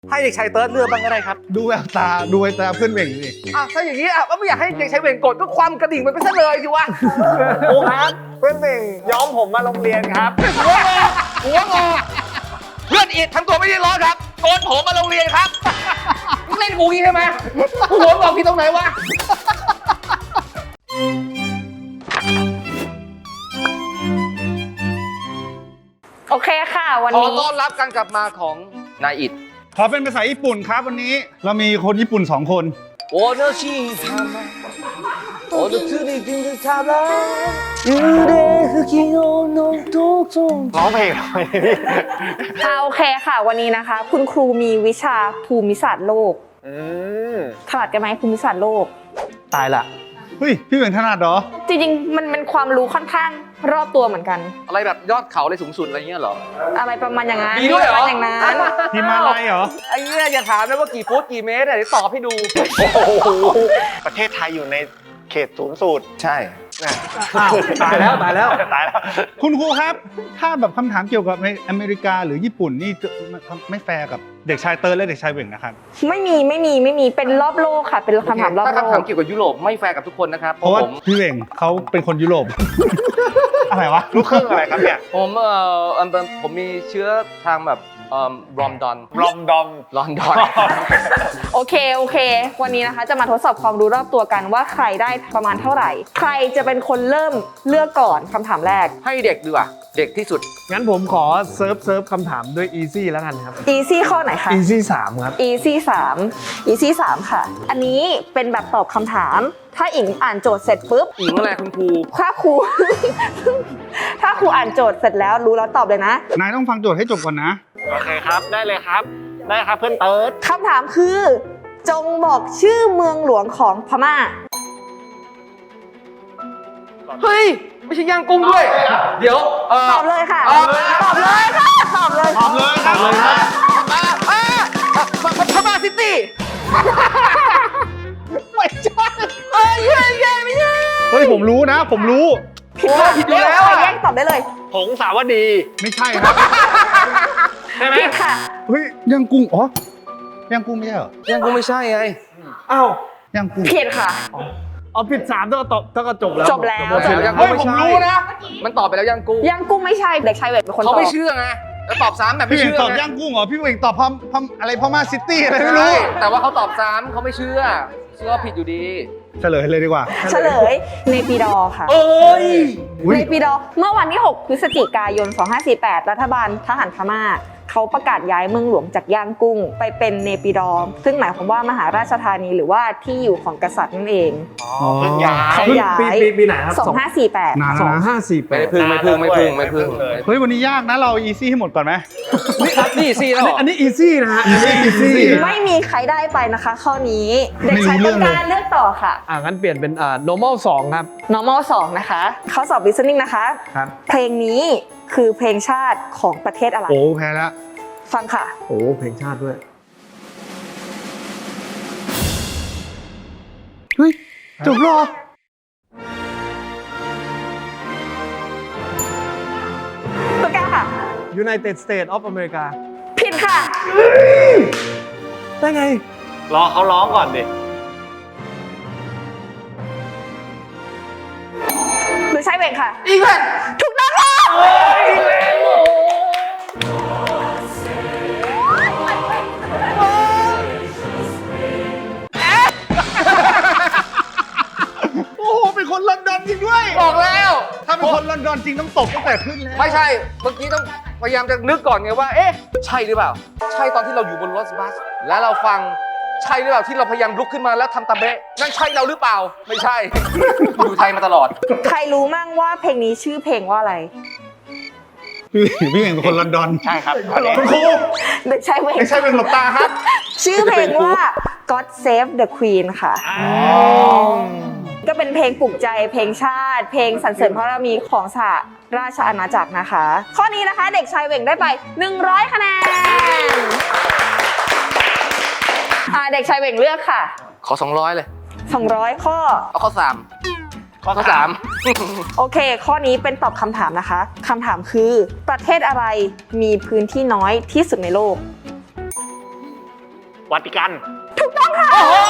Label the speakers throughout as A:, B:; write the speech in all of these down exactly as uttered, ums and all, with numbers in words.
A: ให้เด็กชายเติร์ดเลือกบ้างก็ได้ครับ
B: ดูแววตาดูแววตาเพื่อนเบ่งดิ
A: อ่ะถ้าอย่างนี้อ่ะก็ไม่อยากให้เด็กชายเบ่งกดก็ความกระดิ่งมันไปซะเลยสิวะ
C: ครูครับเพื่อนเบ่งย้อมผมมาโรงเรียนครับ
A: หัวงอหัวงอเพื่อนอิดทำตัวไม่ได้ร้อนครับโกนผมมาโรงเรียนครับมึงเล่นกูงี้ใช่ไหมกูหัวงอกพี่ตรงไหนวะ
D: โอเคค่ะวัน
A: ขอ
D: นี้
A: ต้อนรับการกลับมาของนายอิด
B: ขอเป็นภาษาญี่ปุ่นครับวันนี้เรามีคนญี่ปุ่นสองคน
A: โอโนชิทามาโอโนชิริจินทามายูเดฮุกิโอโนโตโต
C: ร้องเพลงทำไมพี่
D: ค่ะโอเคค่ะ วันนี้นะคะ คุณครูมีวิชาภูมิศาสตร์โลก
C: อืม
D: ถนัดกันไหมภูมิศาสตร์โลก
C: ตายละ
B: เฮ้ยพี่เบ่งถนัดเหรอ
D: จริงๆมันเป็นความรู้ค่อนข้างรอบตัวเหมือนกัน
A: อะไรแบบยอดเขาอะไรสูงสุดอะไรเงี้ยเหรอ
D: อะไรประมาณอย่างนั้น
A: มีด้วยเหรอ
D: ประมาณอย่างนั้น
B: ฮิมาลัยเหรอ
A: ไอ้เนี้ยอย่าถามนะว่ากี่ฟุตกี่เมตรเดี๋ยวตอบให้ดู
C: ประเทศไทยอยู่ในเขตศูนย์สูตร
A: ใช่
C: อ้าวตายแล้วตายแล้วตายแล้ว
B: คุณครูครับ ถ้าแบบคำถามเกี่ยวกับในอเมริกาหรือญี่ปุ่นนี่จะไม่แฟร์กับเด็กชายเติร์ดและเด็กชายเบ่งนะครับ
D: ไม่มีไม่มีไม่มีเป็นรอบโลกค่ะ เป็นคำถามรอบ
A: ถ้า
D: โล
A: คำถาม
D: ก
A: เกี่ยวกับยุโรปไม่แฟร์กับทุกคนนะครับ
B: เพราะว่า
A: ผม
B: พี่เบ่งเขาเป็นคนยุโรป อะไรวะ
C: ลูกครึ่งอะไรครับเนี่ย
A: ผมเอ่อเอิ่มผมมีเชื้อทางแบบเอ่อรอมดอน
C: รอมดอม
A: ลอนดอน
D: โอเคโอเค วันนี้นะคะจะมาทดสอบความรู้รอบตัวกันว่าใครได้ประมาณเท่าไหร่ ใครจะเป็นคนเริ่มเลือกก่อนคำถามแรก
A: ให้เด็กดีกว่าเด็กที่สุด
E: งั้นผมขอเซิร์ฟเซิร์ฟคำถามด้วย easy แล้วกันครับ
D: easy ข้อไหนคะ
E: easy สามครับ
D: easy สาม easy สามค่ะ อันนี้เป็นแบบตอบคำถาม ถ้าอิงอ่านโจทย์เสร็จปุ๊บ
A: อิงอะไรคุณครู
D: ถ้าครู ถ้าครูอ่านโจทย์เสร็จแล้วรู้แล้วตอบเลยนะ
B: นายต้องฟังโจทย์ให้จบก่อนนะ
C: โอเคครับ ได้เลยครับ ได้ครับเพื่อนเติร์ด
D: คำถามคือ จงบอกชื่อเมืองหลวงของพม่า
A: เฮ้ย ไม่ใช่ย่างกุ้งด้วย เดี๋ยวเอ่อ
D: ตอบเลยค่ะ
A: เอ่อ
D: ตอบเลยค่ะ ตอบเลย
B: ตอบเลยตอบเลยครับ
A: อ่าอ่าอ่าพม่าซิตี้
B: ไม่ใช่
D: เอ้ยเย้เย้ไม่ใช่
B: เฮ้ยผมรู้นะ ผมรู้
D: ผิดค่ะ
A: ผิดอยู่แล้ว
D: ใคร
A: อะ
D: แย่งตอบได้เลย
C: ผงสาวดี
B: ไม่ใช่ครับ
C: ใช่ไหม
D: ผิดค่ะ
B: เฮ้ยย่างกุ้งอ๋อย่างกุ้งไม่ใช่เหรอย่าง
A: กุ้งไม่ใช่ไง
E: อ้าว
B: ย่างกุ้ง
D: ผิดค่ะ
E: เอาผิดสามเท่ากับตอบเท่ากับจบแล้ว
D: จบแล้ว
E: หมดสิทธิ์
A: ย่าง
E: แล้ว
A: กุ้งไม่ใช่มันตอบไปแล้วย่างกุ้ง
D: ย่างกุ้งไม่ใช่ เด็กชายเวทเป็นคนต
A: เขา
D: อบ
A: ไม่เชื่อไงแล้วตอบซ้ำแบบ
B: พี่
A: ไม่
B: เบ่ง
A: เชื่อ
B: ตอบ
A: ไง
B: ย่างกุ้งเหรอพี่เบ่งตอบพมพมอะไรพม่าซิตี้อะไรไม่
A: ใช่
B: รู้
A: แต่ว่าเขาตอบซ้ำเขาไม่เชื่อ เชื่อผิดอยู่ดี
B: เฉลยเลยดีกว่า
D: เฉลยเนปิดอร์ค่ะ
A: เอ้ย
B: อุ๊ย
D: เนปิดอร์เมื่อวันที่ หก พฤศจิกายน สองพันห้าร้อยสี่สิบแปด รัฐบาลทหารพม่าเขาประกาศย้ายเมืองหลวงจากย่างกุ้ง ไปเป็นเนปิดอร์ซึ่งหมายความว่ามหาราชธานีหรือว่าที่อยู่ของกษัตริย์นั่นเอง
C: อ๋อเพิ่งย้าย
D: เขาย้าย
E: ปีปีปีไหนครับ
D: สองพันห้าร้อยสี่สิบแปด
B: นาน
E: ส
B: แล้ว
E: อง
B: นะ
E: ห้าสี่แป
A: ไม่
E: ด
A: พึ่งไม่พึ่งไม่พึ่งไม่พึ่ง
C: เลย
B: เฮ้ยวันนี้ยากนะเราอีซี่ให้หมดก่อนไหม
A: นี่สิแล้วเหรอ
E: อันนี้ easy นะฮะ
B: easy easy
D: ไม่มีใครได้ไปนะคะ ข้อนี้
B: ไม่
D: เด็ก
B: รู้
D: ชาย
B: เรื่
D: ต้
B: อน งเลย
D: การเลือกต่อค่ะ
E: อ่างั้นเปลี่ยนเป็นอ่า normal สองครับ
D: normal สองนะคะเขาสอบ listening นะคะ
E: ครับ
D: เพลงนี้คือเพลงชาติของประเทศอะไร
B: โอ้แพ้แล้ว
D: ฟังค่ะ
E: โอ้เพลงชาติด้วย
B: เฮ้ยจบเหรอ
D: ตัวกล้าค่ะ
E: United States of America
D: ผิดค่ะ
E: ได้ไง
C: รอเขาร้องก่อนดิ
D: หรือใช่เวงค่ะ
A: อีกแล้ว
D: ถูกต้องค่ะ
B: โอ้โหเป็นคนลอนดอนจริงด้วย
A: บอกแล้ว
B: ถ้าเป็นคนลอนดอนจริงต้องตบตั้งแต่ขึ้นแล้ว
A: ไม่ใช่ เมื่อกี้ต้องพยายามจะนึกก่อนไงว่า เอ๊ะ ใช่หรือเปล่า ใช่ตอนที่เราอยู่บนรถบัส แล้วเราฟัง ใช่หรือเปล่าที่เราพยายามลุกขึ้นมาแล้วทำตาเบะนั่นใช่เราหรือเปล่า ไม่ใช่ อยู่ไทยมาตลอด
D: ใครรู้มั่งว่าเพลงนี้ชื่อเพลงว่าอะไร
B: พี่พี่เองเป็นคนลอนดอน
C: ใช่ครับอันนี้
B: คุณครู
D: เด็กชายเวง
B: ไม่ใช่เป็นหลบตาครับ
D: ชื่อเพลงว่า God Save the Queen ค่ะ ก็เป็นเพลงปลุกใจ เพลงชาติ เพลงสรรเสริญพระบารมีของสหราชอาณาจักรนะคะ ข้อนี้นะคะเด็กชายเวงได้ไป หนึ่งร้อยคะแนนอ่าเด็กชายเวงเลือกค่ะ
A: ขอสองร้อยเลย
D: สองร้อยข้อ
A: เอาข้อสามข้อสาม
D: โอเค ข้อนี้เป็นตอบคำถามนะคะ คำถามคือประเทศอะไรมีพื้นที่น้อยที่สุดในโลก
C: วาติกัน
D: ถูกต้องค่ะ
A: โอ้โห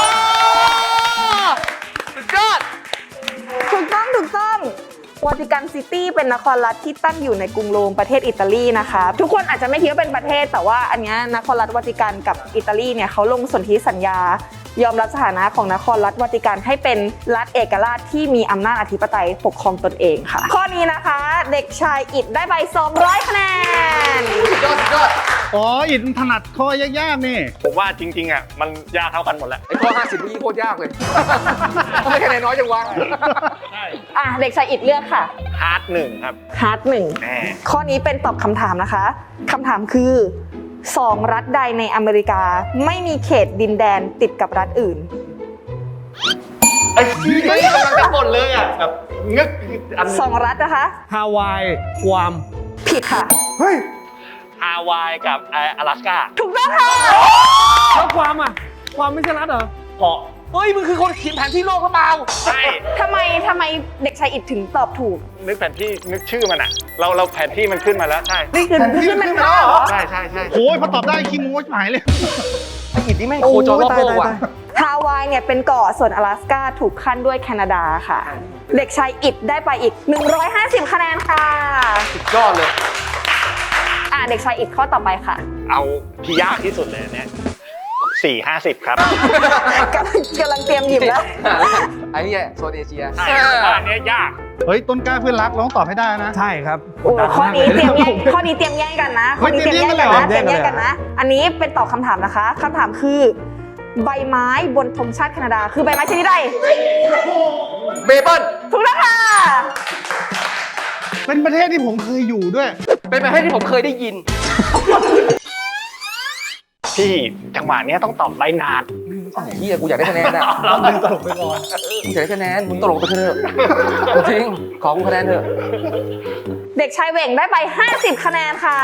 A: สุดยอด
D: ถูกต้องถูกต้องวาติกันซิตี้เป็นนครรัฐที่ตั้งอยู่ในกรุงโรมประเทศอิตาลีนะคะทุกคนอาจจะไม่คิดว่าเป็นประเทศแต่ว่าอันเนี้ยนครรัฐวาติกันกับอิตาลีเนี่ยเขาลงสนธิสัญญายอมรับสถานะของนครรัฐวาติกันให้เป็นรัฐเอกราชที่มีอำนาจอธิปไตยปกครองตนเองค่ะข้อนี้นะคะเด็กชายอิดได้ไปสองร้อยคะแนน
A: สุดยอดสุดยอด
B: อ๋ออินถนัดข้อยากๆนี่
C: ผมว่าจริงๆอ่ะมันยากเท่ากันหมดแหละ
A: ไอ้ข้อห้าสิบเมื่อกี้โคตรยากเลย ทำไมคะแนนน้อยจังวะ
D: อ่ะเด็กชายอิดเลือกค่ะ
C: ฮาร์ดหนึ่งครับ
D: ฮาร์ดหนึ่ง
C: แน่
D: ข้อนี้เป็นตอบคำถามนะคะคำถามคือสองรัฐใดในอเมริกาไม่มีเขตดินแดนติดกับรัฐอื่น
C: ไอ้ที่กำลังจะหมดเลยอ่ะแบบงึกอัน
D: สองรัฐนะคะ
E: ฮาวายกวาม
D: ผิดค่ะ
E: เฮ้ย
C: ฮาวายกับไอ้อลาสก้า
D: ถูกต้องค่ะ
E: แล้วกวามอ่ะกวามไม่ใช่รัฐเหรอ
C: เกาะ
A: เฮ้ย มึงคือคนเขียนแผนที่โลกหรือเปล่า
C: ใช่
D: ทำไมทำไมเด็กชายอิดถึงตอบถูก
C: นึกแผนที่นึกชื่อมันอ่ะ เราเราแผนที่มันขึ้นมาแล้วใช่
D: นี่คือขึ้นมันมาเหรอ
C: ใช่ใช่ใช่
B: โอ้ยพอตอบได้ขี้โม้ชิบหายเลย
A: ไอ้อิดนี่แม่งโคจรรอบโลกว่ะ
D: ฮาวายเนี่ยเป็นเกาะส่วนอลาสก้าถูกขั้นด้วยแคนาดาค่ะ เด็กชายอิดได้ไปอีก หนึ่งร้อยห้าสิบคะแนนค่ะ
A: สุดยอดเลย
D: อ่ะเด็กชายอิดข้อต่อไปค่ะ
C: เอาที่ยากที่สุดเลยอันเนี่ยสี่ห้าสิบครับ
D: กำลังกำลังเตรียมหยิบแล้ว
A: ไอ้นี่โซนเอเชีย
C: ใช่ผมว่าอันเนี้ยยาก
B: เฮ้ยต้นกล้าเพื่อนรักเราต้องตอบให้ได้นะ
E: ใช่ครับ
D: โอ้ข้อนี้เตรียมแย่งข้อนี้เตรียมแย่งกันนะข้อนี้เตรียมแย่งกันนะ
E: เฮ้
D: เตรี
E: ย
D: ยม
E: เตรี
D: แย่
E: ย
D: ง
E: มแย่งกั
D: กัน
E: น
D: นะ อันนี้เป็นตอบคำถามนะคะคำถามคือ ใบไม้บนธงชาติแคนาดา คือใบไม้ชนิดใด
A: เบเบิล
D: ถูกแล้วค่ะ
B: เป็นประเทศที่ผมเคยอยู่ด้วย
A: เป็นประเทศที่ผมเคยได้ยิน
C: พี่จังหวะเนี้ยต้องตอบใบนาด
A: ไอ้เฮียกูอยากได้คะแนนนะ
B: ดึงตลกไปก่อน
A: กูอยากได้คะแนนมึงตลกไปเถอะจริงขอกูคะแนนเถอะ
D: เด็กชายเหว่งได้ไป ห้าสิบ คะแนนค่ะ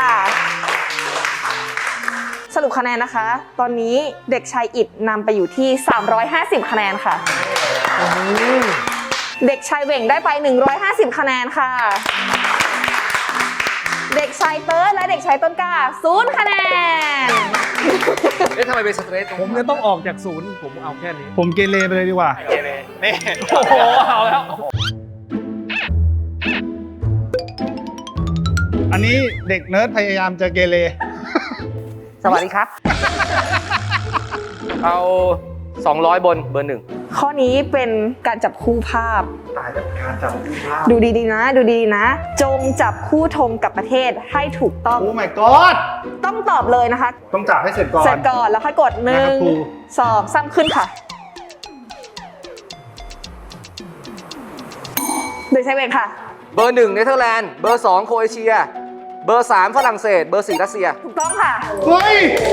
D: สรุปคะแนนนะคะ ตอนนี้เด็กชายอิดนำไปอยู่ที่ สามร้อยห้าสิบ คะแนนค่ะ เด็กชายเหว่งได้ไป หนึ่งร้อยห้าสิบ คะแนนค่ะ เด็กชายเติร์ดและเด็กชายต้นกล้าศูนย์คะแนน
A: เอ๊ะทำไมเป็นสเตรทตรง
E: ผมจะต้องออกจากศูนย์ผมเอาแค่นี้
B: ผมเกเรไปเลยดีกว่า
C: เกเรนี่
E: โอ้โห เอาแล้ว
B: อันนี้เด็กเนิร์ดพยายามจะเกเร
A: สวัสดีครับ เอา สองร้อย บนเบอร์หนึ่ง
D: ข้อนี้เป็นการจับคู่ภาพ
C: ตายจากการจับคู่ภาพ
D: ดูดีๆนะ ดูดีๆนะ จงจับคู่ธงกับประเทศให้ถูกต้อง
B: โอ้ my god
D: ต้องตอบเลยนะคะ
B: ต้องจับให้เสร็จก่อน
D: เสร็จก่อนแล้วค่อยกดหนึ่
B: นะครั
D: ง
B: บครู
D: สองสามขึ้นค่ะเด็กชายเวงค่ะ
A: เบอร์หนึ่งเนเธอร์แลนด์ เบอร์สองโครเอเชีย เบอร์สามฝรั่งเศส เบอร์สี่รัสเซีย
D: ถูกต้องค่ะ
B: เฮ้ย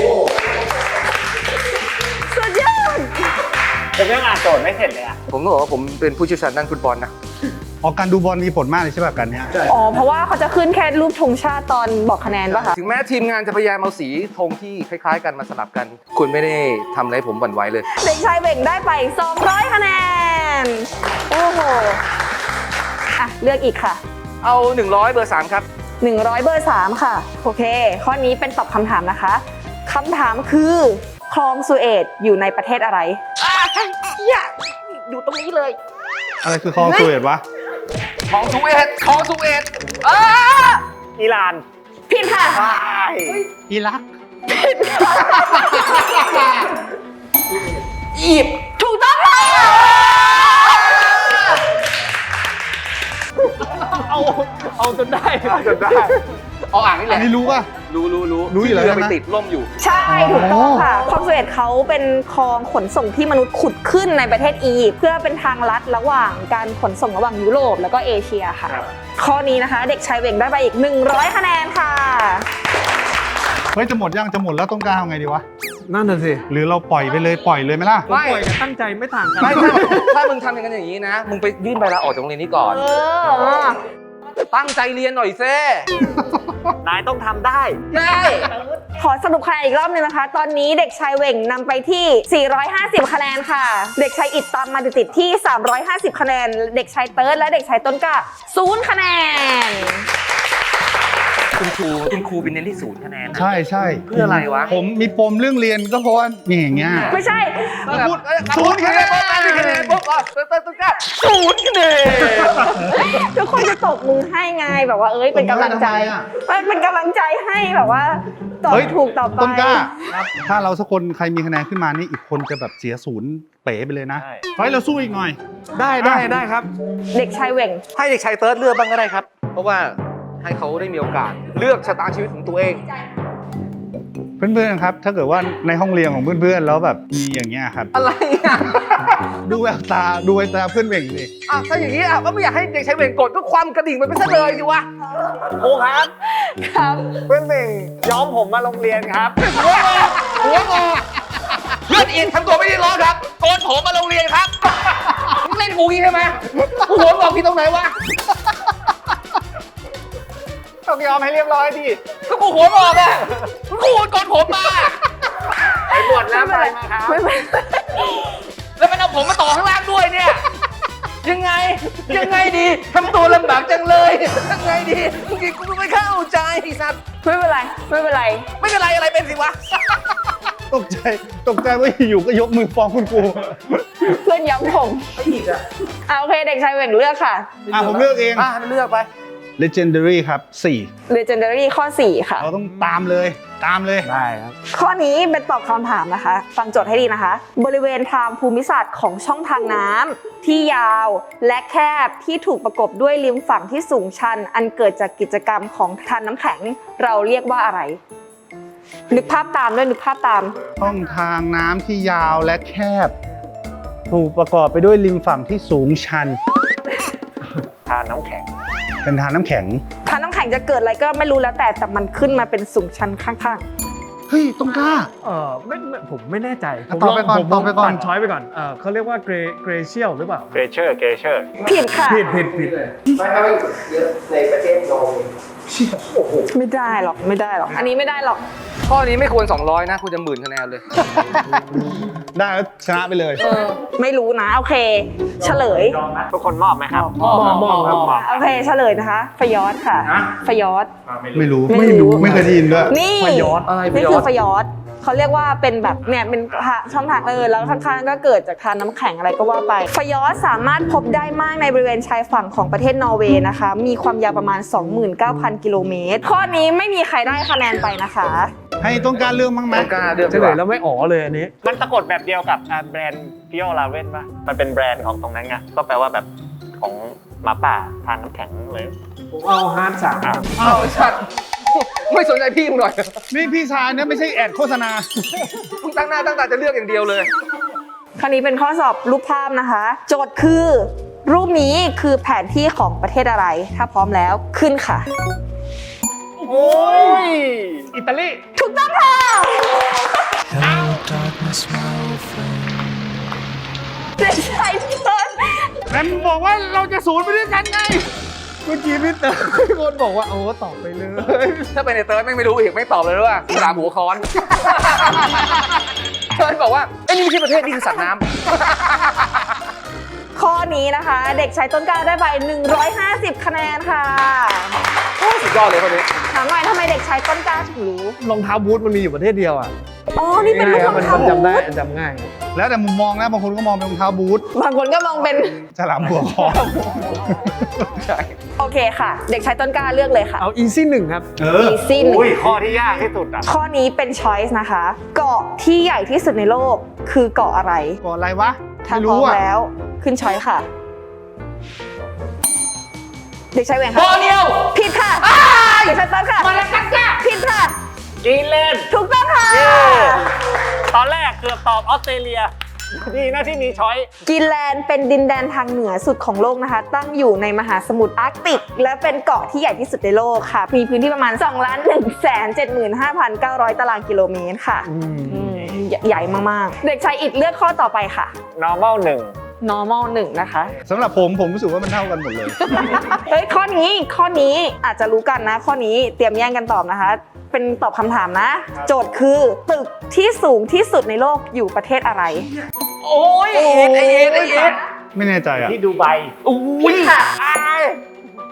D: สุดยอด
C: ผมยังอ่านโจทย์ไม่เสร็จเลยอ่ะ
A: ผมต้องบอกว่าผมเป็นผู้เชี่ยวชาญด้านฟุตบอลนะ
B: ออกการดูบอลมีผลมากเลยใช่ป่ะกันเนี้ย
D: อ๋อ เพราะว่าเขาจะขึ้นแค่รูปธงชาติตอนบอกคะแนนป่ะคะ
A: ถึงแม้ทีมงานจะพยายามเอาสีธงที่คล้ายๆกันมาสลับกัน คุณไม่ได้ทำอะไรผมหวั่นไหวเลย
D: เด็กชายเวงได้ไป สองร้อย คะแนน โอ้โห อ่ะ เลือกอีกค่ะ
A: เอา หนึ่งร้อย เบอร์สามครับ
D: หนึ่งร้อย เบอร์สามค่ะ โอเค ข้อนี้เป็นตอบคำถามนะคะคำถามคือคลองสุเอตอยู่ในประเทศอะไร
A: อยู่ตรงนี้เลย
B: อะไรคือคลองสุเอตวะ
A: ของสุเอตของสุเอตอ้า
C: อิหร่าน
D: ผิดค่ะ
C: ใช่
B: อิรัก
A: อียิปต์
D: ถูกต้องค่ะ
E: เอาเอาจนได้
C: จนได้
A: เอาอ่างนี่แห
B: อัน
A: ละ
B: นี้รู้ป่ะ
A: รู้รู้รู้
B: รู้อยู่แล้ว
A: ที่เรือ
B: ใช่
A: ไป
B: ไหม
A: ติดล่มอยู่
D: ใช่ถูกต้องค่ะคลองสุเอตเขาเป็นคลองขนส่งที่มนุษย์ขุดขึ้นในประเทศอียิปต์เพื่อเป็นทางลัดระหว่างการขนส่งระหว่างยุโรปแล้วก็เอเชียค่ะ
C: ครับ
D: ข้อนี้นะคะ เด็กชายเวงได้ไปอีก หนึ่งร้อย คะแนนค่ะ
B: เฮ้ยจะหมดยังจะหมดแล้วต้องกล้าเอาไงดีวะ
E: นั่นน่ะสิ
B: หรือเราปล่อยไปเลยปล่อยเลยไหมล่ะ
E: ผมปล่อยกับตั้งใจไม่ต่างกัน
A: ไม่ถ้าถ้ามึงทำอย่างนั้นอย่างนี้นะ มึงไปยื่นใบลาออกจากโรงเรียนนี้ก่อน
D: เออ
A: ตั้งใจเรียนหน่อยเซ่
C: นายต้องทำได้
A: ใช่
D: ขอสรุปคะแนนอีกรอบหนึงนะคะ ตอนนี้เด็กชายเหว่งนำไปที่ สี่ร้อยห้าสิบ คะแนนค่ะ เด็กชายอิดตามมาติดๆที่ สามร้อยห้าสิบ คะแนน เด็กชายเติร์ดและเด็กชายต้นกล้าศูนย์คะแนน
A: คุณครูคุณครูเป็นเน้นที่ศูนย์คะแนนนะ
B: ใช่ใช่
A: เพื่ออะไรวะ
B: ผมมีปมเรื่องเรียนก็เพราะว่านี่อย่างเงี้ย
D: ไม่ใช่
A: พูดศูนย์คะแนนศูนย์คะแนนปุ๊บอ่ะเต้นต้นกล้าศูนย์คะแนน
D: ทุกคนจะตบมือให้ไงแบบว่าเอ้ยเป็นกำลังใจ
B: ตบมือให้ทำไมอะ
D: มันเป็นกำลังใจให้แบบว่าตอบ
B: เฮ้ย
D: ถูกต่อไป
B: ต้นกล้า ถ้าเราสักคนใครมีคะแนนขึ้นมานี่อีกคนจะแบบเสียศูนย์เป๋ไปเลยนะ
C: ใช่
B: ไฟเราสู้อีกหน่อย
E: ได้ได้ได้ครับ
D: เด็กชายเหว่ง
A: ให้เด็กชายเติร์ดเลือกบ้างก็ได้ครับ เพราะว่าให้เขาได้มีโอกาสเลือกชะตาชีวิตของตัวเอง
B: เพื่อนๆครับ ถ้าเกิดว่าในห้องเรียนของเพื่อนๆแล้วแบบมีอย่างเงี้ยครับ
A: อะไรอ่ะ
B: ดูแววตาดูแววตาเพื่อนเบ่งดิ
A: อ่ะถ้าอย่างนี้อ่ะก็ไม่อยากให้เด็กชายเวงกดก็ความกระดิ่งมันไปซะเลยสิวะ
C: ครูครับ
D: ครับ
C: เพื่อนเบ่งย้อมผมมาโรงเรียนครับ
A: หัวงอหัวงอเลือดอินทำตัวไม่ได้ร้อนครับโกนผมมาโรงเรียนครับมึงเล่นกูงี้ใช่ไหมกูหัวงอกพี่ตรงไหนวะ
C: ต้องยอมให้เรียบร้อยดิ
A: ก็กูหัวงอกอ่ะกูโกนผมมา
C: ไปบวชแล้วไปมาครับ
D: ไม่เป็น
A: แล้วมันเอาผมมาต่อข้างล่างด้วยเนี่ย ยังไง ยังไงดีทำตัวลำบากจังเลย ยังไงดีจริงๆกูไม่เข้าใจไอ้สัตว์
D: ไม่เป็นไรไม่เป็นไร
A: ไม่เป็นไรอะไรเป็นสิวะ
B: ตกใจตกใจว่าอยู่ก็ยกมือฟ้องคุณครู
D: เพื่อนย้ำผมอ่าโอเคเด็กชายเหว่งเลือกค่ะ
B: อ่ะผมเลือกเอง
A: อ่ะมันเลือกไป
B: legendary ครับสี่
D: legendary ข้อสี่ค่ะ
B: เราต้องตามเลยตามเลย
E: ได้ครับ
D: ข้อนี้เป็นตอบคำถามนะคะ ฟังโจทย์ให้ดีนะคะ บริเวณทางภูมิศาสตร์ของช่องทางน้ำที่ยาวและแคบที่ถูกประกบด้วยริมฝั่งที่สูงชัน อันเกิดจากกิจกรรมของทานน้ำแข็งเราเรียกว่าอะไร นึกภาพตามด้วยนึกภาพตาม
B: ช่องทางน้ำที่ยาวและแคบ ถูกประกอบไปด้วยริมฝั่งที่สูงชัน
C: ทานน้ำแข็ง
B: เป็นทานน้ำแข็ง
D: ทานน้ำแข็งจะเกิดอะไรก็ไม่รู้แล้วแต่แต่มันขึ้นมาเป็นสูงชันข้าง
B: เฮ้ยต้องกล้า
E: เออไม่ไม่ผมไม่แน่ใจผม
B: ตอบไปก่อน
E: ผม
B: ตอบไปก่อน
E: ตัดช้อยไปก่อนเออเขาเรียกว่าเกรเกรเชียลหรือเปล่า
C: เกรเชอร์ เกรเชอร์
D: ๆ ผิดค่ะ
E: ผิดผิดผิด
D: ไม่ได้หรอกไม่ได้หรอก อันนี้ไม่ได้หรอก
A: ข้อนี้ไม่ควรสองร้อยนะคุณจะหมื่นคะแนนเลย
B: ได้แล้วชนะไปเลย
D: ไม่รู้นะโอเค เฉลย
C: ทุกคนมอบไหมครับ
E: มอบมอบมอบครับมอบ
D: โอเคเฉลยนะคะฟยอดค่ะฟยอด
B: ไม่รู้
D: ไม่รู้
B: ไม่เคยได้ยินด้วย
D: นี่
E: ฟยอด
A: อะไร
D: นี่
A: ฟยอด
D: คือฟยอดเขาเรียกว่าเป็นแบบเนี่ยเป็นช่องทางเออแล้วข้างๆก็เกิดจากทานน้ำแข็งอะไรก็ว่าไปฟยอดสามารถพบได้มากในบริเวณชายฝั่งของประเทศนอร์เวย์นะคะ มีความยาวประมาณ สองหมื่นเก้าพัน กิโลเมตร ข้อนี้ไม่มีใครได้คะแนนไปนะคะ
B: ให้ต้องการเรื่องมั้งไหม
A: ต้องกล้าเลือก
E: เฉลยแล้วไม่อ๋อเลยอันนี้
C: มันสะกดแบบเดียวกับอ่าแบรนด์พิโอลาเว่นป่ะ มันเป็นแบรนด์ของตรงนั้นไง ก็แปลว่าแบบของหมาป่าทานน้ำแข็งเลย
E: ผมเอาฮาร์ดสาม
C: อ่ะ
A: เอาชัดไม่สนใจพี่มึงหน่อย
B: นี่พี่ชายเนี่ยไม่ใช่แอดโฆษณา
A: มึงตั้งหน้าตั้งตาจะเลือกอย่างเดียวเลย
D: คราวนี้เป็นข้อสอบรูปภาพนะคะ โจทย์คือ รูปนี้คือแผนที่ของประเทศอะไร ถ้าพร้อมแล้วขึ้นค่ะ
C: โอ้ย อิตาลี
D: ถูกต้องค่ะ เด็กชายเติร์ด
B: แล้วมึงบอกว่าเราจะศูนย์ไปด้วยกันไง เมื่อกี้พี่เต๋อพี่คนบอกว่าโอ้ตอบไปเลย
A: ถ้าเป็นในเติร์ดแม่งไม่รู้อีกไม่ตอบเลยว่าสามหัวค้อน เติร์ดบอกว่าไอ้ยนี่ไม่ใช่ประเทศนี่คือสัตว์น้ำ
D: ข้อนี้นะคะ เด็กชายต้นกล้าได้ไปหนึ่งร้อยห้าสิบคะแนนค่ะ
A: สุดยอดเลยคนนี้
D: ถามหน่อยทำไมเด็กชายต้นกล้าถึงรู้
E: รองเท้าบูทมันมีอยู่ประเทศเดียวอ่ะ
D: อ๋อ นี่เป็นรูปรอง
E: มัน
D: เท้า
E: จำได้
D: บูท
E: จำง่าย
B: แล้วแต่มุมมองนะบางคนก็มองเป็นรองเท้าบูท
D: บางคนก็มองเป็น
B: ฉลามหัวคอ
A: ใช่
D: โอเคค่ะ เด็กชายต้นกล้าเลือกเลยค่ะ
E: เอาอีซี่หนึ่งครับ
B: เออ
D: อีซี่หนึ่ง
C: อุ้ย ข้อที่ยากที่สุดอ่ะ
D: ข้อนี้เป็นช้อยส์นะคะ เกาะที่ใหญ่ที่สุดในโลกคือเกาะอะไร
B: ก่อนอะไรวะ
D: ถ้า
B: ไม่
D: พร้อ
B: รู้
D: ม
B: อ่ะ
D: แล้วขึ้นช้อยส์ค่ะ เด็กชายแหวง
A: บ
D: ค่ะ
A: อเนียว
D: ผิดค่ะเด็กชายต้นค่ะ
A: มาแล้วกันจ้า
D: ผิดค่ะ
C: กรีนแลนด์
D: ถูกต้องค่ะ
C: เย้ ตอนแรกเกือบตอบออสเตรเลีย ดีนะที่มีช้อย
D: กรีนแลนด์เป็นดินแดนทางเหนือสุดของโลกนะคะ ตั้งอยู่ในมหาสมุทรอาร์กติก และเป็นเกาะที่ใหญ่ที่สุดในโลกค่ะ มีพื้นที่ประมาณ สองล้านหนึ่งแสนเจ็ดหมื่นห้าพันเก้าร้อย ตารางกิโลเมตรค่ะ
E: อืม
D: อืมใหญ่มากๆ เด็กชายอิดเลือกข้อต่อไปค่ะ
C: normal หนึ่ง
D: normal หนึ่งนะคะ
B: สำหรับผมผมรู้สึกว่ามันเท่ากันหมดเลย
D: เฮ้ยข้อนี้ข้อนี้อาจจะรู้กันนะ ข้อนี้เตรียมแย่งกันตอบนะคะ เป็นตอบคำถามนะ โจทย์คือตึกที่สูงที่สุดในโลกอยู่ประเทศอะไร
A: โอ้ยไอเอ็ดไอเอ็ดไอเอ็ด
B: ไม่แน่ใจอ่ะ
C: ที่ดูไบ
A: อุ้ย
D: ค่ะ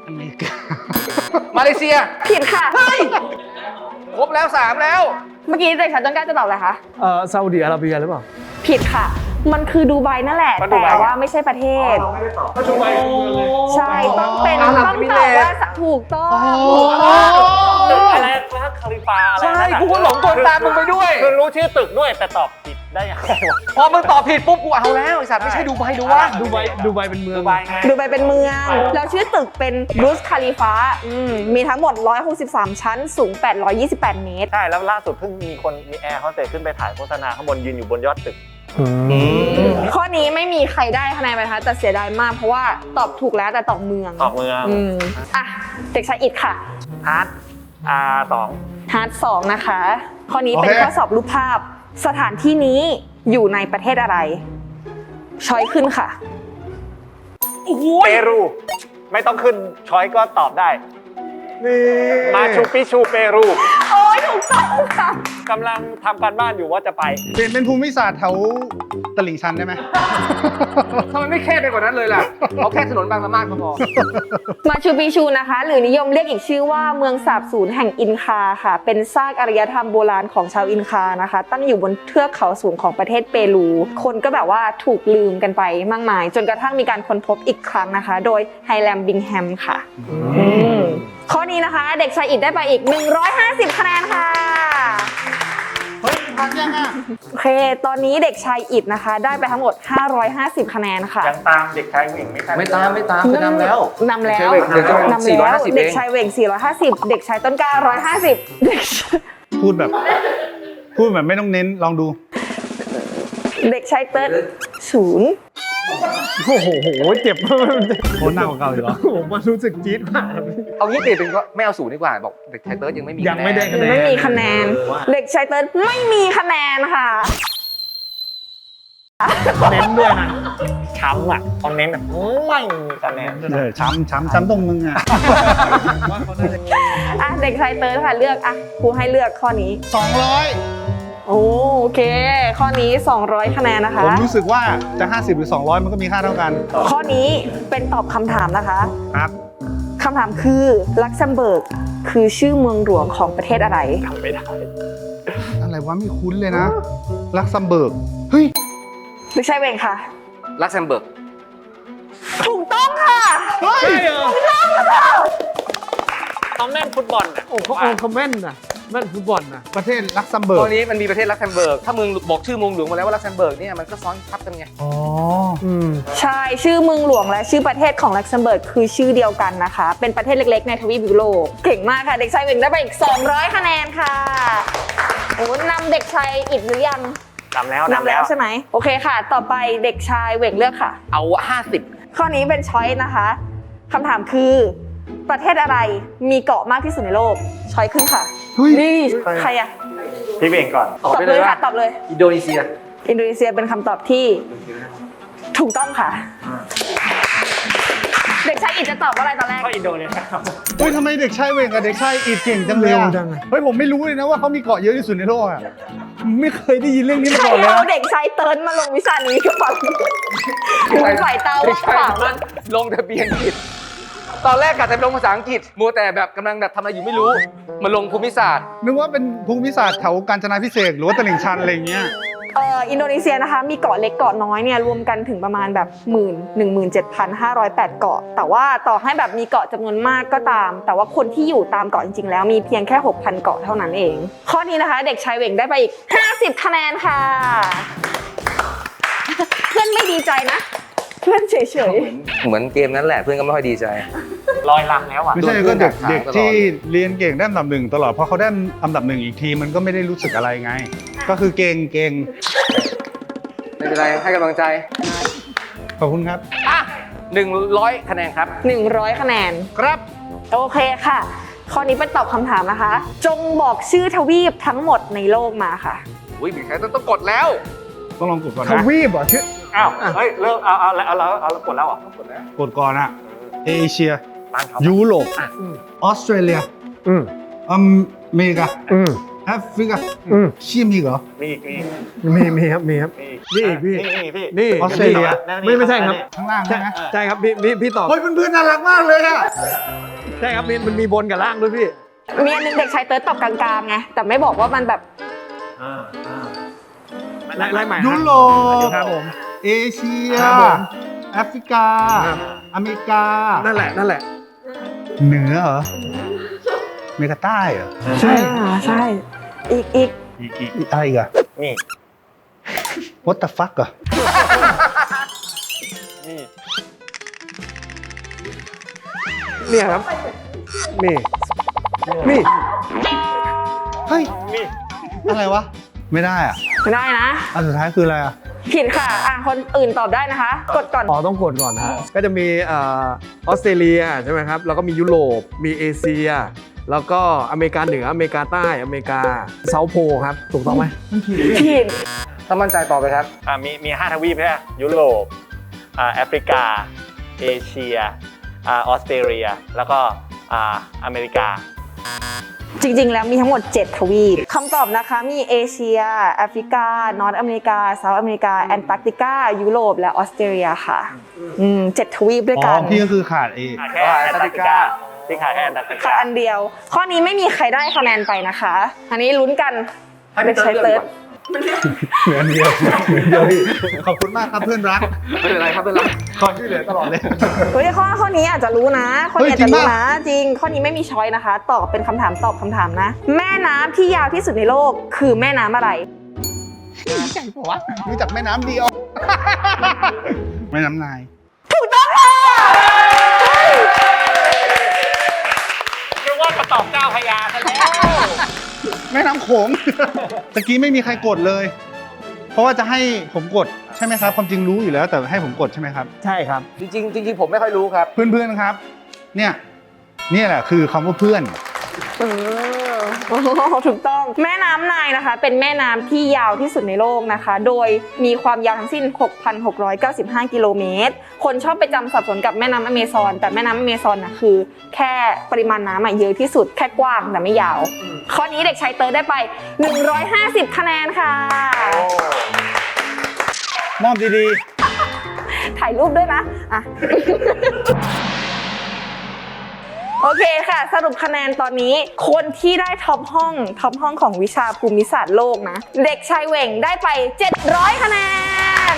B: อเมริกา
A: มาเลเซีย
D: ผิดค่ะ
A: ครบแล้วสามแล้ว
D: เมื่อกี้เด็กชายต้นกล้าจะตอบอะไรคะ
E: เอ่อซาอุดิอาระเบียหรือเปล่า
D: ผิดค่ะ มันคือดูไบนั่นแหละ
C: ก็ดูไบ
D: แต่ว่าไม่ใช่ประเทศ ใช่ต้องเป็น
A: อาหรับ
D: ต้อง
A: เอมิ
D: ต
A: เร
D: อบ
A: ตส์
D: ว่าถูกต้อง
B: โอ้
C: ตึกอะไรนะคาลิฟาอะไร
A: ใช่
C: นั่นน่ะ
A: กูก็หลงกลตามมึงไปด้วย
C: คือรู้ชื่อตึกด้วยแต่ตอบผิดได้ยังไงวะ
A: พอมึงตอบผิดปุ๊บกูเอาแล้วไอ้สัตว์ไม่ใช่ดูไบดูว่า
E: ดูไบดูไบเป็นเมือง
C: ดูไบไง
D: ดูไบเป็นเมือง แล้วชื่อตึกเป็นบรูซคาลิฟาอืมมีทั้งหมดหนึ่งร้อยหกสิบสามชั้น สูงแปดร้อยยี่สิบแปดเมตร
C: ใช่แล้วล่าสุดเพิ่งมีคนมีแอร์เขาเตะขึ้นไปถ่ายโฆษณาข้างบนยืนอยู่บนยอดตึก
D: ข้อนี้ไม่มีใครได้คะแนนไปนะคะแต่เสียดายมากเพราะว่าตอบถูกแล้วแต่ตอบเมือง
C: ตอบเมือง
D: อืมอ่ะเด็กชายอิดค่ะ
C: อาร์ตอาร์สอง
D: ฮาร์ดสองนะคะ ข้อนี้เป็นข้อสอบรูปภาพ สถานที่นี้อยู่ในประเทศอะไร ช้อยขึ้นค่ะ
C: เปรู ไม่ต้องขึ้นช้อยก็ตอบได้
E: นี่
C: มาชูปิชูเปรู
D: โอ้ยถูกต้องค่ะ
C: กำลังทำการบ้านอยู่ว่าจะไป
B: เปลี่ยนเป็นภูมิศาสตร์แถวตลิ่งชันได้ไหม
A: ทำไมไม่แค่ไปกว่านั้นเลยล่ะ เอาแค่ถนนบางละมาดก็พอ
D: มาชูปิชูนะคะ หรือนิยมเรียกอีกชื่อว่าเมืองสาบสูญแห่งอินคาค่ะ เป็นซากอารยธรรมโบราณของชาวอินคานะคะ ตั้งอยู่บนเทือกเขาสูงของประเทศเปรู คนก็แบบว่าถูกลืมกันไปมากมาย จนกระทั่งมีการค้นพบอีกครั้งนะคะ โดยไฮแลมบิงแฮมค่ะอืมข้อนี้นะคะ เด็กชายอิดได้ไปอีกหนึ่งร้อยห้าสิบคะแนนค่ะ
B: เฮ้ยทันยังอ่ะ
D: โอเค ตอนนี้เด็กชายอิดนะคะ ได้ไปทั้งหมดห้าร้อยห้าสิบคะแนนค่ะ
C: ยังตามเด็กชายผู้หญิงไม่ทัน
A: ไม่ตามไม่ตามไปนำแล้ว
D: นำแล้ว
A: เด็กชายเวงเดี๋ยวจะ
D: นำ
A: สี่ร้อย
D: แล้ว
A: ห้าสิบ
D: เด็ก
A: เอง
D: ชายเวงสี่ร้อยห้าสิบเด็กชายต้นกล้าหนึ่งร้อยห้าสิบเด็กชาย
B: พูดแบบ พูดแบบไม่ต้องเน้นลองดู
D: เด็กชายเติร์ดศูนย์
E: โอ้โหเจ็บ
B: โคตรหน้ากว่าเก่าอีกเหรอ
E: ผมมันรู้สึกจี๊ดมาก
A: เอางี้เปลี่ยนเป็นก็ไม่เอาศูนย์ดีกว่า บอกเด็กไทเติร์ดยังไม่มี
E: ยังไม่ได้
A: คะแนน
D: ไม่มีคะแนน เด็กชายเติร์ดไม่มีคะแนนค่ะ
E: เน้นด้วยนะ
C: ช้ำอ่ะคอมเมนต์แบบไม่มีคะแนน
B: เออช้ำช้ำช้ำตรงมึงอ่ะ
D: อ่ะเด็กชายเติร์ดค่ะเลือกอ่ะครูให้เลือกข้อนี้
B: สองร้อย
D: โอเค ข้อนี้สองร้อยคะแนนนะคะ
B: ผมรู้สึกว่าจะห้าสิบหรือสองร้อยมันก็มีค่าเท่ากัน
D: ข้อนี้เป็นตอบคำถามนะคะ
B: ครับ
D: คำถามคือลักเซมเบิร์กคือชื่อเมืองหลวงของประเทศอะไร
C: ทำไม่ได้
B: อะไรวะไม่คุ้นเลยนะ ลักซัมเบิร์ก เฮ้ย
D: เด็กชายเวงค่ะ
A: ลักเซมเบิร์ก
D: ถูกต้องค่ะ
E: ใช่เหรอ
C: ต้องแม่นฟุตบอลน่ะ
E: โอ้เขาเอาคอมเมนต์นะแม่นฟุตบอลนะ
B: ประเทศลักซัมเบิร์
A: ต
B: ก
A: อนนี้มันมีประเทศลักเซมเบิร์ก ถ้ามึงบอกชื่อเมืองหลวงมาแล้วว่าลักเซมเบิร์กเนี่ยมันก็ซ้อนทับกันไง
B: อ๋อ
E: อืม
D: ใช่ ชื่อเมืองหลวงและชื่อประเทศของลักเซมเบิร์กคือชื่อเดียวกันนะคะ เป็นประเทศเล็กๆในทวีปยุโรปเก่งมากค่ะ เด็กชายเวงได้ไปอีก สองร้อย คะแนนค่ะโอ้นำเด็กชายอิดหรือยัง
C: นำแล้ว
D: นำแล้วใช่ไหมโอเคค่ะ ต่อไปเด็กชายเวงเลือกค่ะ
A: เอาห้าสิบ
D: ข้อนี้เป็นช้อยส์นะคะคำถามคือประเทศอะไรมีเกาะมากที่สุดในโลก ช้อยส์ขึ้นค่ะ
B: เฮ้ย
D: นี่ใครอะ
C: พี่เบงก่อน
A: ตอบ
D: ตอบ
A: ไป
D: เล
A: เลย ย
D: ค่ะ
A: ว่า
D: ตอบเลย
A: อินโดนีเซีย
D: อินโดนีเซียเป็นคำตอบที่ถูกต้องค่ะ เด็กชายอิดจะตอบว่าอะไรตอนแรก
C: ก็อินโดนีเซียครับ
B: เฮ้ยทำไมเด็กชายเวงกับเด็กชายอีดเก่งจังเลย
E: เร็ว
B: อะ
E: จังอะ
B: เฮ้ยผมไม่รู้เลยนะว่าเขามีเกาะเยอะที่สุดในโลกอ่ะ ไม่เคยได้ยินเรื่องนี้มา
D: ใคร
B: ก่อนเลย
D: เอา
B: นะ
D: เด็กชายเติร์นมาลงวิชานี้กับผมคุณสายตา
A: ไม่
D: ว่าง
A: ใช่
D: เปล่า
A: มันลงทะเบียนผิด ตอนแรกกะจะลงภาษาอังกฤษ มัวแต่แบบกำลังแบบทำอะไรอยู่ไม่รู้ มาลงภูมิศาสตร์
B: นึกว่าเป็นภูมิศาสตร์แถวกาญจนาพิเศษกหรือว่าตลิ่งชันอะไรอย่างเงี้ย
D: เอ่ออินโดนีเซียนะคะมีเกาะเล็กเกาะน้อยเนี่ยรวมกันถึงประมาณแบบหมื่นหนึ่งหมื่นเจ็ดพันห้าร้อยแปดเกาะ แต่ว่าต่อให้แบบมีเกาะจำนวนมากก็ตาม แต่ว่าคนที่อยู่ตามเกาะจริงๆแล้วมีเพียงแค่ หกพัน เกาะเท่านั้นเอง ข้อนี้นะคะ เด็กชายเวงได้ไปอีก ห้าสิบ คะแนนค่ะ เพื่อนไม่ดีใจนะ เพื่อนเฉย
A: เหมือนเกมนั้นแหละเพื่อนก็ไม่ค่อยดีใจ
C: ลอยลำแล้วอ่ะ
B: ไม่ใช่
A: โดน
B: ก็เด็ก
A: ถาม
B: เด็ก
A: ตลอด
B: ที่เรียนเก่งได้อันดับหนึ่งตลอดเพราะเขาได้อันดับหนึ่งอีกทีมันก็ไม่ได้รู้สึกอะไรไง ก็คือเก่งเก่ง
A: ไม่เป็นไร ให้กำลังใจ
B: ขอบคุณครับ
A: อ่ะหนึ่งร้อยคะแนนครับ
D: ๆ หนึ่งร้อย คะแนน
B: ครับ
D: โอเคค่ะ ข้อนี้เป็นตอบคำถามนะคะ จงบอกชื่อทวีปทั้งหมดในโลกมาค่ะ
A: อุ้ยเด็กชายต้องต้องกดแล้ว
B: ต้องลองกดก่อน
E: ท
B: นะ
E: วีปเหรอชื่อ
C: อ้าว เฮ้ย เลิกเอาเอาเอาเอาเอากดแล้วเหรอ
B: กดก่อนอะเอเชีย
C: บ้านเขา
B: ยุโรป
C: อ่ะ
B: ออสเตรเลีย
E: อืม
B: อเมริกา
E: อืม
B: แอฟริกา
E: อืม
B: เชี่ยมีเหรอ
C: มีอีกมีอีก
E: มีมีครับมีครับ
C: มี
E: นี่อีกพี่
C: นี่พี่
E: นี่
B: ออสเตรเลีย
E: ไม่ไม่ใช่ครับ
B: ข้างล่าง
E: ใช่
B: ใช่ไหม
E: ใช่ครับพี่พี่พี่ตอบ
B: เฮ้ยเพื่อนๆน่ารักมากเลยอะ
E: ใช่ครับมีมันมีบนกับล่างด้วยพี่
D: มีอันหนึงเด็กชายเติร์ดตอบกลางๆไงแต่ไม่บอกว่ามันแบบ
E: ไล่ไล่ใหม่
B: ยุโรป
E: ครับผม
B: เอเชีย
E: ครับผม
B: แอฟริกา
E: ครับ
B: อเมริกา
E: นั่นแหละนั่นแหละ
B: เหนือเหรออเมริกาใต้เหรอ
E: ใช่
D: อ่าใช่ อีกอีก
C: อีกอีก
B: อีกอะไรอีกอะ
C: นี่
B: What the fuck อะ
C: นี่
E: เนี่ยครับนี่นี่
B: เฮ้ย
C: นี่
B: อะไรวะ ไม่ได้อะ
D: ไม่ได้นะ
B: อันสุดท้ายคืออะไรอะ
D: ผิดค่ะ อ่ะ คนอื่นตอบได้นะคะ กดก่อน
E: อ๋อต้องกดก่อนนะฮะก็จะมีเอ่อออสเตรเลียใช่ไหมครับแล้วก็มียุโรปมีเอเชีย แล้วก็อเมริกาเหนืออเมริกาใต้อเมริกาเซาท์โพลครับถูกต้องไหม
D: ผิด
A: ถ้ามั่นใจต่อไปครับ
C: อ่ามีมีห้าทวีปใช่ไหมยุโรปอ่าแอฟริกา เอเชียอ่าออสเตรเลีย แล้วก็อ่าอเมริกา
D: จริงๆ แล้วมีทั้งหมด เจ็ด ทวีปคำตอบนะคะ มีเอเชีย แอฟริกา นอร์ทอเมริกาเซาท์อเมริกา แอนตาร์กติกา ยุโรป และออสเตรเลียค่ะ อืมเจ็ดทวีปด้วย
B: อ๋
D: กั
B: อน พี่ก็คือขาดเอ
C: ขาดแค่แอนตาร์กติกาที่ขาดแค่แอนตาร์กติ
D: ค่ะ
C: กา
D: อันเดียว ข้อนี้ไม่มีใครได้คะแนนไปนะคะ อันนี้ลุ้นกัน
A: ให้
D: เด็กชายเติร์ด
B: เหมือนเดียวเหมือนเดียวพี่ขอบคุณมากครับเพื่อนรัก
A: ไม่เป็นไรครับเป็นไร
B: คอยช่วยเหลือตลอดเลย
D: เฮ้ยข้อข้อนี้อาจจะรู้นะข้อนี้อาจ
B: เฮ้ยจริ
D: จะ
B: ง
D: รู้
B: ปะ
D: นะ จริง ข้อนี้ไม่มีช้อยนะคะ ตอบเป็นคำถามตอบคำถามนะ แม่น้ำที่ยาวที่สุดในโลกคือแม่น้ำอะไร
B: รู้จักแม่น้ำเดียว แม่น้ำนาย
D: ถูกต้องค่ะ
C: เรียกว่าจะตอบเจ้าพญาซะแล้ว
B: แม่น้ำโขง ตะกี้ไม่มีใครกดเลย เพราะว่าจะให้ผมกดใช่ไหมครับ ความจริงรู้อยู่แล้วแต่ให้ผมกดใช่ไหมครับ
E: ใช่ครับ
A: จริงๆจริงๆผมไม่ค่อยรู้ครับ
B: เพื่อนๆครับ เนี่ยเนี่ยแหละคือคำว่าเพื่อน
D: เออโอ้โหถูกต้อง แม่น้ำไนายนะคะ เป็นแม่น้ำที่ยาวที่สุดในโลกนะคะ โดยมีความยาวทั้งสิ้น หกพันหกร้อยเก้าสิบห้า กิโลเมตร คนชอบไปจำสับสนกับแม่น้ำอเมซอน แต่แม่น้ำอเมซอนนะคือ แค่ปริมาณน้ำอะเยอะที่สุด แค่กว้างแต่ไม่ยาว ข้อนี้เด็กชายเติร์ดได้ไป หนึ่งร้อยห้าสิบ คะแนนค่ะ
B: มอบดี
D: ถ่ายรูปด้วยนะ อ่ะ โอเคค่ะ สรุปคะแนนตอนนี้ คนที่ได้ท็อปห้องท็อปห้องของวิชาภูมิศาสตร์โลกนะ เด็กชายเหว่งได้ไป เจ็ดร้อย คะแนน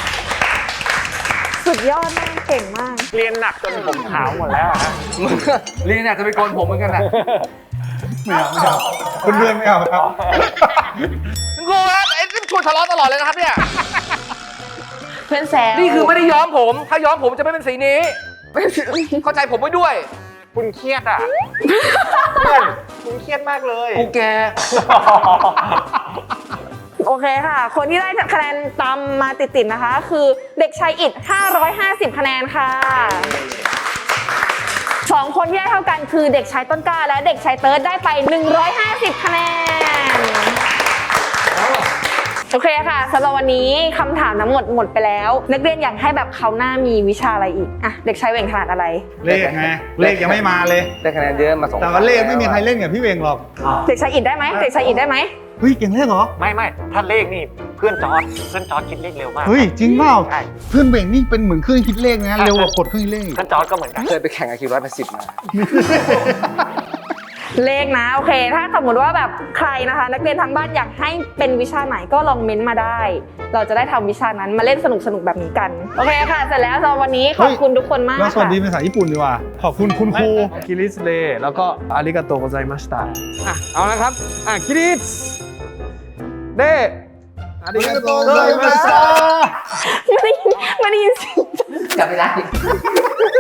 D: สุดยอดมาก เก่งมาก
C: เรียนหนักจนผมขาวหมดแล้วอะฮะ
A: ลีนเนี่ยจะไปโกนผมเหมือนกันนะ
B: ๆ ไม่เอาไม่เอาเพื่อนๆไม่เอาครับ
A: คุณครูครับไอ้นี่ชวนทะเลาะตลอดเลยนะครับเนี่ย
D: เพื่อนแซว
A: นี่คือไม่ได้ย้อมผม ถ้าย้อมผมจะไม่เป็นสีนี้ เข้าใจผมไว้ด้วย
C: คุณเครียดอ่ะ เพื่อนคุณเครียดมากเลย
A: กูแก
D: โอเคค่ะ คนที่ได้คะแนนตามมาติดๆนะคะ คือเด็กชายอิดห้าร้อยห้าสิบ คะแนนค่ะสองคนที่ได้เท่ากันคือเด็กชายต้นกล้าและเด็กชายเติร์ดได้ไป หนึ่งร้อยห้าสิบ คะแนน โอเคค่ะสำหรับวันนี้คำถามทั้งหมดหมดไปแล้ว นักเรียนอยากให้แบบเขาวหน้ามีวิชาอะไรอีกอ่ะเด็กชายเหว่งถนัดอะไร
B: เลขไง เลขยังไม่มาเลย
A: ได้คะแนนเยอะมาสอง
B: แต่ว่าเลขไม่มีใครเล่นกับพี่เวงหรอก
D: เด็กชายอิดได้ไหมเด็กชายอิดได้ไหม
B: เฮ้ยเก่งเลขเหรอ
C: ไม่ไม่ถ้าเลขนี่เพื่อนจอร์ดเพื่อนจอร์ดคิดเลขเร็วมาก
B: เฮ้ยจริงเปล่า
C: ใช่
B: เพื่อนเวงนี่เป็นเหมือนเครื่องคิดเลขนะเร็วกว่ากดเครื่องคิดเลขอีก
C: เพื่อนจอร์ดก็เหมือนกัน
A: เคยไปแข่งไอคิวร้อยแปดสิบมา
D: เลขนะโอเค ถ้าสมมติว่าแบบใครนะคะ นักเรียนทางบ้านอยากให้เป็นวิชาไหนก็ลองเม้นต์มาได้ เราจะได้ทำวิชานั้นมาเล่นสนุกสนุกๆแบบนี้กันโอเคค่ะ เสร็จแล้วสำหรับวันนี้ขอบคุณทุกคนมาก
B: เราสวัส
D: ค่ะ
B: ดีเป็นภาษาญี่ปุ่นดีกว่า ขอบคุณคุณครู
E: คิริสเลแล้วก็อาริกาโตโกไซมาสตาอ่ะเอาละครับอ่ะคิริสเด้อาริกาโตโกไซมาสตา
D: ไม่ได้ยินไม่ได้ยินเสียง
A: จำไม่ได้